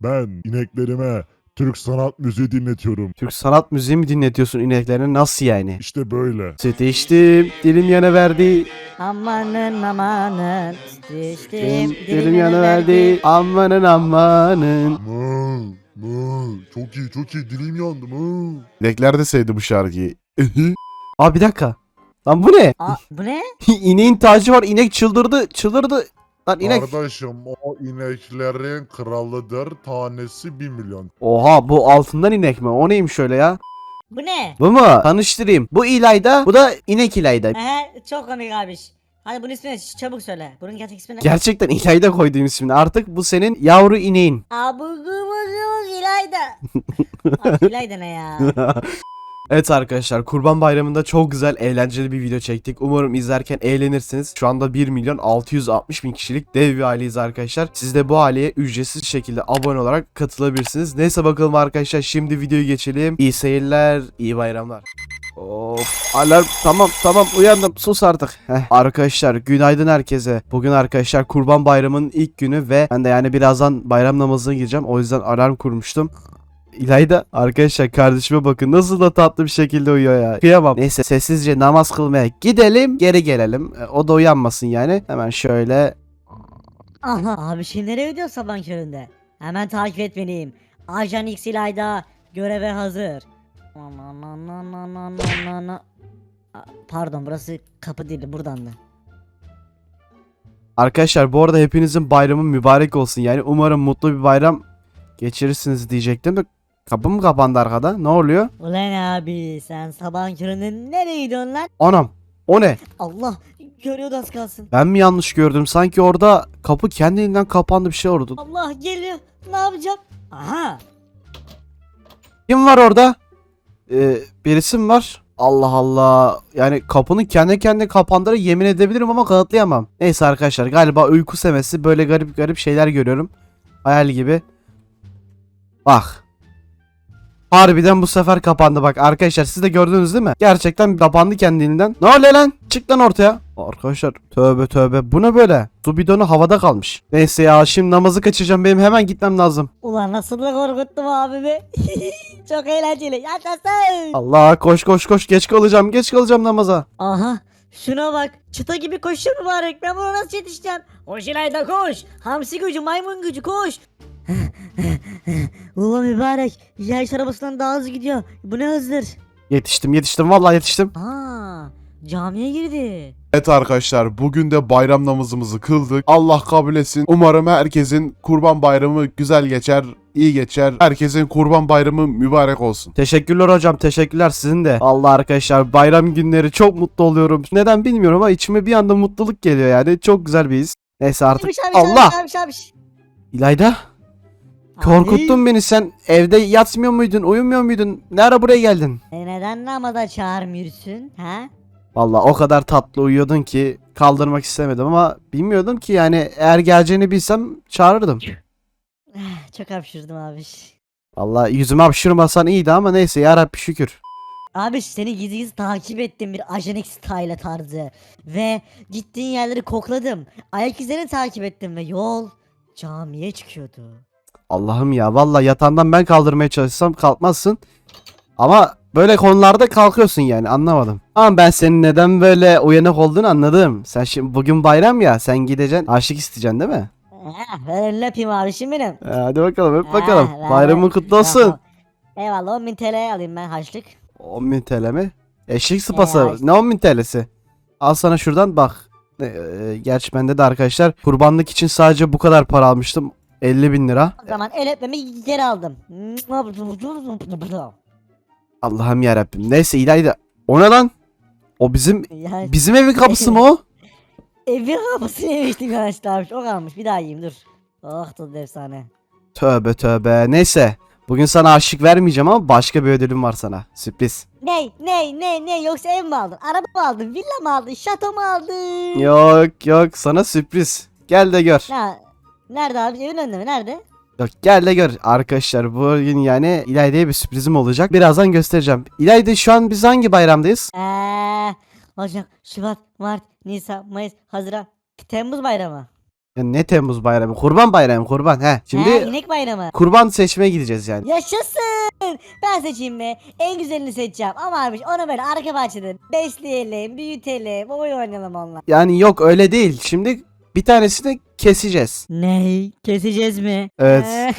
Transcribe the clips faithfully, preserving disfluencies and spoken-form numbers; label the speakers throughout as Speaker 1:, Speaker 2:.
Speaker 1: Ben ineklerime Türk sanat müziği dinletiyorum.
Speaker 2: Türk sanat müziği mi dinletiyorsun ineklerine? Nasıl yani?
Speaker 1: İşte böyle.
Speaker 2: Süt içtim, dilim yana verdi.
Speaker 3: Amanın amanın
Speaker 2: Dilim,
Speaker 3: düştüm
Speaker 2: dilim yana verdi. Amanın amanın.
Speaker 1: Mı, mı. Çok iyi çok iyi dilim yandı mı.
Speaker 2: İnekler de sevdi bu şarkıyı. Aa bir dakika. Lan bu ne?
Speaker 3: Aa, bu ne?
Speaker 2: İneğin tacı var. İnek çıldırdı. Çıldırdı. Lan inek.
Speaker 1: Kardeşim o ineklerin kralıdır. Tanesi bir milyon.
Speaker 2: Oha bu altından inek mi? O neymiş öyle ya?
Speaker 3: Bu ne?
Speaker 2: Bu mu? Tanıştırayım. Bu İlayda. Bu da inek İlayda.
Speaker 3: Ehe, çok komik abiş. Hadi bunun ismini çabuk söyle. Bunun gerçek ismi ne?
Speaker 2: Gerçekten İlayda koyduğum ismini. Artık bu senin yavru ineğin.
Speaker 3: Abugumuzumuz İlayda. Abi İlayda ne ya?
Speaker 2: Evet arkadaşlar Kurban Bayramı'nda çok güzel eğlenceli bir video çektik. Umarım izlerken eğlenirsiniz. Şu anda bir milyon altı yüz altmış bin kişilik dev bir aileyiz arkadaşlar. Siz de bu aileye ücretsiz şekilde abone olarak katılabilirsiniz. Neyse bakalım arkadaşlar şimdi videoyu geçelim. İyi seyirler, iyi bayramlar. Of alarm tamam tamam uyandım sus artık. Heh. Arkadaşlar günaydın herkese. Bugün arkadaşlar Kurban Bayramı'nın ilk günü ve ben de yani birazdan bayram namazına gireceğim. O yüzden alarm kurmuştum. İlayda arkadaşlar kardeşime bakın nasıl da tatlı bir şekilde uyuyor ya. Kıyamam. Neyse sessizce namaz kılmaya gidelim geri gelelim. E, o da uyanmasın yani. Hemen şöyle.
Speaker 3: Aha abi şey nereye gidiyorsun sabahın köründe? Hemen takip etmeliyim. Ajan X İlayda göreve hazır. Aa, pardon burası kapı değil buradan da.
Speaker 2: Arkadaşlar bu arada hepinizin bayramı mübarek olsun. Yani umarım mutlu bir bayram geçirirsiniz diyecektim de kapı mı kapandı arkada? Ne oluyor?
Speaker 3: Ulan abi sen sabahın köründe nereye gidiyorsun lan?
Speaker 2: Anam o ne?
Speaker 3: Allah görüyordu az kalsın.
Speaker 2: Ben mi yanlış gördüm? Sanki orada kapı kendiliğinden kapandı bir şey oldu.
Speaker 3: Allah geliyor ne yapacağım? Aha
Speaker 2: Kim var orada? Ee, birisi mi var? Allah Allah. Yani kapının kendi kendine kapandığını yemin edebilirim ama kanıtlayamam. Neyse arkadaşlar galiba uyku semesi böyle garip garip şeyler görüyorum. Hayal gibi. Bak. Harbiden bu sefer kapandı bak arkadaşlar siz de gördünüz değil mi? Gerçekten kapandı kendiliğinden. Ne oluyor lan? Çık lan ortaya. Arkadaşlar tövbe tövbe bu ne böyle? Su bidonu havada kalmış. Neyse ya şimdi namazı kaçıracağım benim hemen gitmem lazım.
Speaker 3: ulan nasıl da korkuttum abimi. Çok eğlenceli yaşasın.
Speaker 2: Allah koş koş koş geç kalacağım geç kalacağım namaza.
Speaker 3: Aha şuna bak çıta gibi koşuyor mübarek ben buna nasıl yetişeceğim? Koş İlayda koş. Hamsi gücü maymun gücü koş. Ulan mübarek yarış arabasından daha hızlı gidiyor. Bu ne hızdır?
Speaker 2: Yetiştim yetiştim vallahi yetiştim.
Speaker 3: Aa camiye girdi.
Speaker 4: Evet arkadaşlar bugün de bayram namazımızı kıldık. Allah kabul etsin. Umarım herkesin kurban bayramı güzel geçer, iyi geçer. Herkesin kurban bayramı mübarek olsun.
Speaker 2: Teşekkürler hocam teşekkürler sizin de. Allah arkadaşlar bayram günleri çok mutlu oluyorum. Neden bilmiyorum ama içime bir anda mutluluk geliyor yani. Çok güzel bir his. Neyse artık.
Speaker 3: Abiş, abiş,
Speaker 2: Allah!
Speaker 3: abiş, abiş, abiş.
Speaker 2: İlayda korkuttun beni sen. Evde yatmıyor muydun uyumuyor muydun? Ne ara buraya geldin?
Speaker 3: E neden namaza çağırmıyorsun ha?
Speaker 2: Vallahi o kadar tatlı uyuyordun ki kaldırmak istemedim ama bilmiyordum ki yani eğer geleceğini bilsem çağırırdım.
Speaker 3: Eh, Çok hapşırdım abiş.
Speaker 2: Vallahi yüzüme hapşırmasan iyiydi ama neyse yarabbi şükür.
Speaker 3: Abi seni gizli gizli takip ettim bir Ajan X style tarzı. Ve gittiğin yerleri kokladım. Ayak izlerini takip ettim ve yol camiye çıkıyordu.
Speaker 2: Allah'ım ya vallahi yatağından ben kaldırmaya çalışsam kalkmazsın. Ama böyle konularda kalkıyorsun yani anlamadım. Ama ben senin neden böyle uyanık olduğunu anladım. Sen şimdi bugün bayram ya sen gideceksin aşık isteyeceksin değil mi?
Speaker 3: Eh, ver elini öpeyim abişim benim.
Speaker 2: Ee, hadi bakalım öp bakalım.
Speaker 3: Eh, ver,
Speaker 2: Bayramın
Speaker 3: ver.
Speaker 2: kutlu olsun.
Speaker 3: Tamam. Eyvallah on bin T L alayım ben harçlık.
Speaker 2: on bin T L mi? Eşek sıpası.
Speaker 3: Ya.
Speaker 2: Ne on bin T L'si? Al sana şuradan bak. Ee, gerçi bende de arkadaşlar kurbanlık için sadece bu kadar para almıştım. elli bin lira.
Speaker 3: O zaman el öpmemi geri aldım.
Speaker 2: Allah'ım yarabbim. Neyse İlayda. O ne lan? O bizim
Speaker 3: Ya,
Speaker 2: bizim evin kapısı mı o?
Speaker 3: evin kapısını yemiştim arkadaşlar abi. O kalmış bir daha yiyeyim dur. Oh tadı efsane.
Speaker 2: Tövbe tövbe. Neyse. Bugün sana aşık vermeyeceğim ama başka bir ödülüm var sana. Sürpriz.
Speaker 3: Ney ney ney ney yoksa ev mi aldın? Araba mı aldın? Villa mı aldın? Şato mu aldın?
Speaker 2: Yok yok sana sürpriz. Gel de gör.
Speaker 3: Ya, nerede abi? Evin önünde mi? Nerede?
Speaker 2: Yok gel de gör. Arkadaşlar bugün yani İlayda'ya bir sürprizim olacak. Birazdan göstereceğim. İlayda şu an biz hangi bayramdayız?
Speaker 3: Eee, Ocak, Şubat, Mart, Nisan, Mayıs, Haziran, Temmuz bayramı.
Speaker 2: Ya ne Temmuz bayramı? Kurban bayramı, kurban. He. Şimdi
Speaker 3: He, inek bayramı.
Speaker 2: kurban seçmeye gideceğiz yani.
Speaker 3: Yaşasın. Ben seçeyim mi? En güzelini seçeceğim. Ama abi onu böyle arka bahçede besleyelim, büyütelim, oyun oynayalım onunla.
Speaker 2: Yani yok öyle değil. Şimdi bir tanesini keseceğiz.
Speaker 3: Ney? Keseceğiz mi?
Speaker 2: Evet.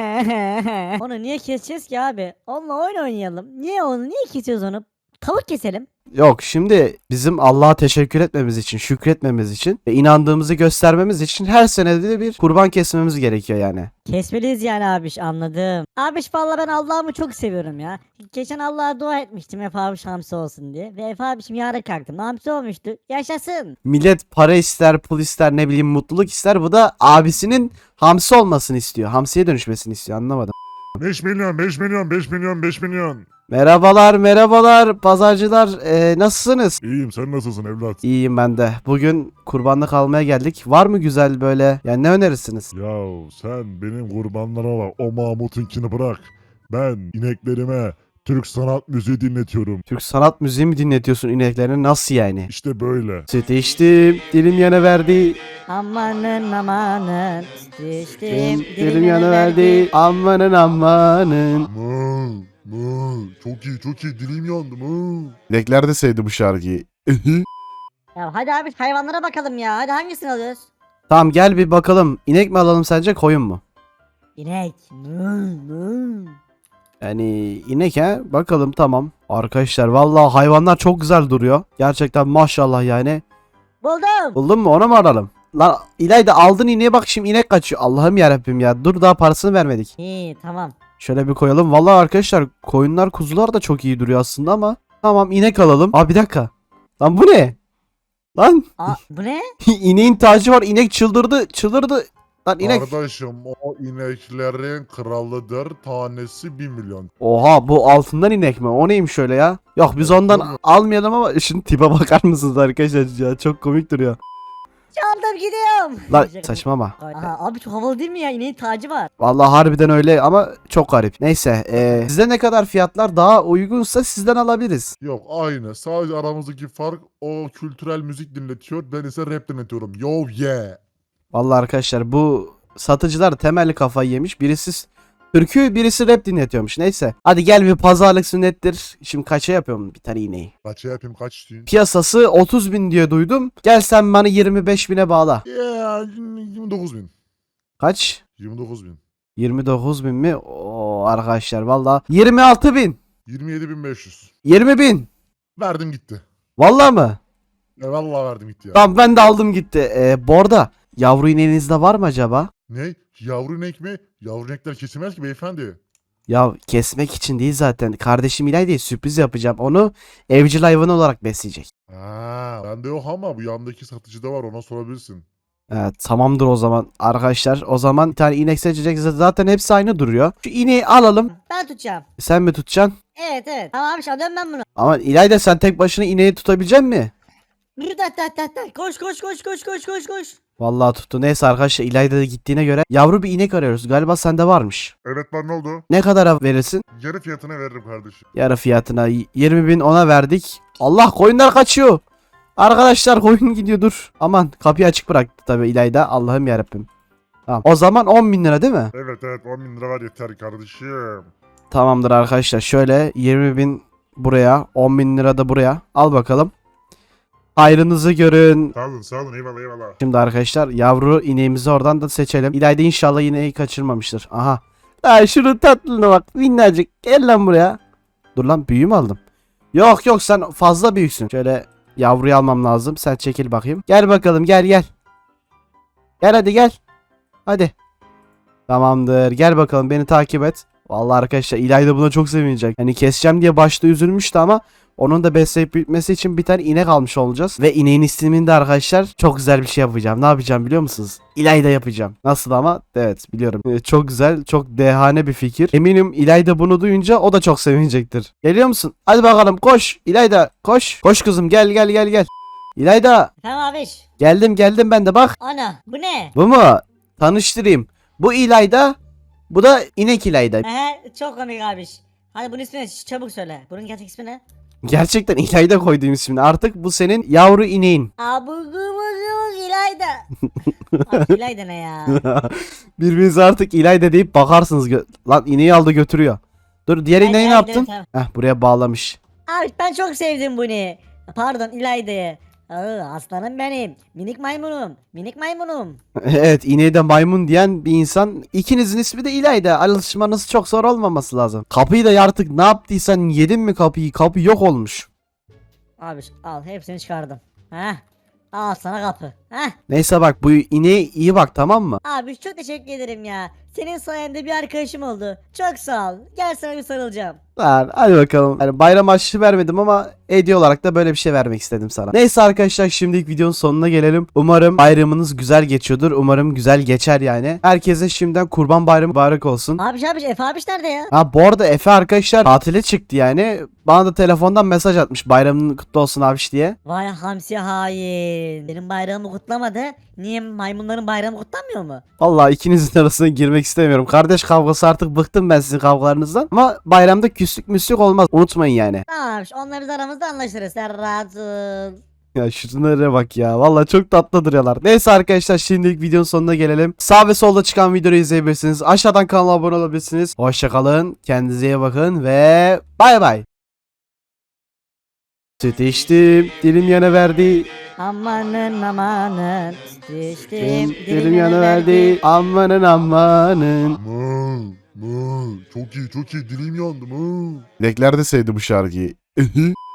Speaker 3: Onu niye keseceğiz ki abi? Onunla oyun oynayalım. Niye onu? Niye kesiyoruz onu? Tavuk keselim.
Speaker 2: Yok şimdi bizim Allah'a teşekkür etmemiz için, şükretmemiz için ve inandığımızı göstermemiz için her senede de bir kurban kesmemiz gerekiyor yani.
Speaker 3: Kesmeliyiz yani abiş, anladım. Abiş vallahi ben Allah'ımı çok seviyorum ya. Geçen Allah'a dua etmiştim Efe abiş hamsi olsun diye. Ve Efe abişim yarın kalktım. Hamsi olmuştu. Yaşasın.
Speaker 2: Millet para ister, pul ister, ne bileyim mutluluk ister. Bu da abisinin hamsi olmasını istiyor. Hamsiye dönüşmesini istiyor. Anlamadım.
Speaker 1: beş milyon, beş milyon, beş milyon, beş milyon.
Speaker 2: Merhabalar, merhabalar pazarcılar. Ee, nasılsınız?
Speaker 1: İyiyim, sen nasılsın evlat?
Speaker 2: İyiyim ben de. Bugün kurbanlık almaya geldik. Var mı güzel böyle? Yani ne önerirsiniz?
Speaker 1: Yahu sen benim kurbanlarıma bak, o Mahmut'unkini bırak. Ben ineklerime Türk sanat müziği dinletiyorum.
Speaker 2: Türk sanat müziği mi dinletiyorsun ineklerine? Nasıl yani?
Speaker 1: İşte böyle.
Speaker 2: Süt içtim, dilim yana verdi.
Speaker 3: Amanın amanın. Düştüm.
Speaker 2: Dilim yana verdi. Amanın amanın.
Speaker 1: Mı, mı, çok iyi, çok iyi, dilim yandı mı.
Speaker 4: İnekler de sevdi bu şarkıyı.
Speaker 3: Ya hadi abi hayvanlara bakalım ya. Hadi hangisini alıyoruz?
Speaker 2: Tamam gel bir bakalım. İnek mi alalım sence koyun mu?
Speaker 3: İnek. Mı, mı.
Speaker 2: Yani inek he bakalım tamam. Arkadaşlar vallahi hayvanlar çok güzel duruyor. Gerçekten maşallah yani.
Speaker 3: Buldum.
Speaker 2: Buldun mu onu mu alalım? Lan İlayda aldın ineğe bak şimdi inek kaçıyor. Allah'ım yarabbim ya dur daha parasını vermedik.
Speaker 3: İyi tamam.
Speaker 2: Şöyle bir koyalım. Vallahi arkadaşlar koyunlar kuzular da çok iyi duruyor aslında ama. Tamam inek alalım. Aa bir dakika. Lan bu ne? Lan
Speaker 3: Aa bu ne?
Speaker 2: ineğin tacı var. İnek çıldırdı çıldırdı. Lan inek.
Speaker 1: Kardeşim o ineklerin kralıdır, tanesi bir milyon.
Speaker 2: Oha bu altından inek mi? O neymiş öyle ya? Yok biz ondan almayalım ama şimdi tipe bakar mısınız arkadaşlar ya? Çok komik duruyor.
Speaker 3: Çaldım gidiyorum.
Speaker 2: Lan saçmalama.
Speaker 3: Aha, abi çok havalı değil mi ya? İneğin tacı var.
Speaker 2: Vallahi harbiden öyle ama çok garip. Neyse eee size ne kadar fiyatlar daha uygunsa sizden alabiliriz.
Speaker 1: Yok aynı, sadece aramızdaki fark o kültürel müzik dinletiyor, ben ise rap dinletiyorum. Yo yeah.
Speaker 2: Vallahi arkadaşlar bu satıcılar temelli kafayı yemiş. Birisi türkü birisi rap dinletiyormuş. Neyse. Hadi gel bir pazarlık sünnettir. Şimdi kaça yapıyorum bir tane iğneyi?
Speaker 1: Kaça yapayım, kaç istiyorsun?
Speaker 2: Piyasası otuz bin diye duydum. Gel sen bana yirmi beş bine bağla.
Speaker 1: Yeah, yirmi dokuz bin.
Speaker 2: Kaç?
Speaker 1: yirmi dokuz bin.
Speaker 2: yirmi dokuz bin mi? Oo arkadaşlar valla. yirmi altı bin.
Speaker 1: yirmi yedi bin beş yüz.
Speaker 2: yirmi bin.
Speaker 1: Verdim gitti.
Speaker 2: Valla mı?
Speaker 1: E vallahi verdim gitti ya.
Speaker 2: Tamam ben de aldım gitti. Ee, bu arada yavru ineğinizde var mı acaba?
Speaker 1: Ne? Yavru inek mi? Yavru inekler kesilmez ki beyefendi.
Speaker 2: Ya kesmek için değil zaten. Kardeşim İlay diye sürpriz yapacağım. Onu evcil hayvan olarak besleyecek.
Speaker 1: Ha, bende yok ama bu yandaki satıcıda var, ona sorabilirsin.
Speaker 2: Evet tamamdır o zaman arkadaşlar. O zaman bir tane inek seçecek. Zaten hepsi aynı duruyor. Şu ineği alalım.
Speaker 3: Ben tutacağım.
Speaker 2: Sen mi tutacaksın?
Speaker 3: Evet evet. Tamam abi alıyorum ben bunu.
Speaker 2: Ama İlayda sen tek başına ineği tutabilecek mi?
Speaker 3: Yürü tat tat tat tat. Koş koş koş koş koş koş koş.
Speaker 2: Vallahi tuttu. Neyse arkadaşlar İlayda da gittiğine göre yavru bir inek arıyoruz. Galiba sende varmış.
Speaker 1: Evet var, ne oldu?
Speaker 2: Ne kadara verirsin?
Speaker 1: Yarı fiyatına veririm kardeşim.
Speaker 2: Yarı fiyatına yirmi bin ona verdik. Allah koyunlar kaçıyor. Arkadaşlar koyun gidiyor dur. Aman kapıyı açık bıraktı tabi İlayda. Allah'ım yarabbim. Tamam. O zaman on bin lira değil mi?
Speaker 1: Evet evet, on bin lira var yeter kardeşim.
Speaker 2: Tamamdır arkadaşlar. Şöyle yirmi bin buraya. on bin lira da buraya. Al bakalım. Hayrınızı görün.
Speaker 1: Sağ olun sağ olun, eyvallah eyvallah.
Speaker 2: Şimdi arkadaşlar yavru ineğimizi oradan da seçelim. İlayda inşallah ineği kaçırmamıştır. Aha. Lan şunun tatlına bak. Minnacık. Gel lan buraya. Dur lan büyüğü mü aldım? Yok yok sen fazla büyüksün. Şöyle yavruyu almam lazım. Sen çekil bakayım. Gel bakalım gel gel. Gel hadi gel. Hadi. Tamamdır. Gel bakalım beni takip et. Vallahi arkadaşlar İlayda buna çok sevinecek. Hani keseceğim diye başta üzülmüştü ama onun da besleyip büyütmesi için bir tane inek almış olacağız. Ve ineğin ismini de arkadaşlar çok güzel bir şey yapacağım. Ne yapacağım biliyor musunuz? İlayda yapacağım. Nasıl ama? Evet biliyorum. Ee, çok güzel, çok dehane bir fikir. Eminim İlayda bunu duyunca o da çok sevinecektir. Geliyor musun? Hadi bakalım koş. İlayda koş. Koş kızım gel gel gel gel. İlayda
Speaker 3: Tamam abiş.
Speaker 2: geldim geldim ben de bak.
Speaker 3: Ana bu ne?
Speaker 2: Bu mu? Tanıştırayım. Bu İlayda. Bu da inek İlayda.
Speaker 3: Ehe çok komik abiş. Hadi bunun ismi ne? Çabuk söyle. Bunun gerçek ismi ne?
Speaker 2: Gerçekten İlayda koyduğum ismini. Artık bu senin yavru ineğin.
Speaker 3: Abu gubuk İlayda. Abi İlayda ne ya?
Speaker 2: Birbirinize artık İlayda deyip bakarsınız. Gö- Lan ineği aldı götürüyor. Dur diğer
Speaker 3: Ay,
Speaker 2: ineği ne
Speaker 3: İlayda,
Speaker 2: yaptın?
Speaker 3: tamam.
Speaker 2: Heh buraya bağlamış.
Speaker 3: Abi ben çok sevdim bunu. Pardon İlayda'yı. Aa, aslanım benim. Minik maymunum. Minik maymunum.
Speaker 2: Evet ineği de maymun diyen bir insan. İkinizin ismi de İlayda. Alışmanız çok zor olmaması lazım. Kapıyı da artık ne yaptıysan yedin mi kapıyı? Kapı yok olmuş.
Speaker 3: Abi al hepsini çıkardım. Heh. Al sana kapı. Heh.
Speaker 2: Neyse bak bu ineğe iyi bak tamam mı?
Speaker 3: Abi çok teşekkür ederim ya. Senin sayende bir arkadaşım oldu. Çok sağ ol. Gel sana bir sarılacağım.
Speaker 2: Lan hadi bakalım. Yani bayram harçlığı vermedim ama hediye olarak da böyle bir şey vermek istedim sana. Neyse arkadaşlar şimdilik videonun sonuna gelelim. Umarım bayramınız güzel geçiyordur. Umarım güzel geçer yani. Herkese şimdiden kurban bayramı mübarek olsun.
Speaker 3: Abiş abiş Efe abiş nerede ya?
Speaker 2: Ha bu arada Efe arkadaşlar tatile çıktı yani. Bana da telefondan mesaj atmış bayramın kutlu olsun abiş diye.
Speaker 3: Vay hamsi hain. Benim bayramımı kutlamadı. Niye maymunların bayramı kutlanmıyor mu?
Speaker 2: Vallahi ikinizin arasına girmek istemiyorum. Kardeş kavgası artık bıktım ben sizin kavgalarınızdan. Ama bayramda küslük müslük olmaz. Unutmayın yani.
Speaker 3: Tamam abiş onunla biz aramızda anlaşırız. Sen rahat ol.
Speaker 2: Ya şunlara bak ya. Vallahi çok tatlı duruyorlar. Neyse arkadaşlar şimdilik videonun sonuna gelelim. Sağ ve solda çıkan videoyu izleyebilirsiniz. Aşağıdan kanala abone olabilirsiniz. Hoşçakalın. Kendinize iyi bakın ve bay bay. Süt içtim. Dilim yana verdi.
Speaker 3: Amanın amanın. Düştüm.
Speaker 2: Dilim yana verdi. Amanın amanın.
Speaker 1: Mı, mı. Çok iyi çok iyi dilim yandı mı.
Speaker 4: İnekler de sevdi bu şarkıyı.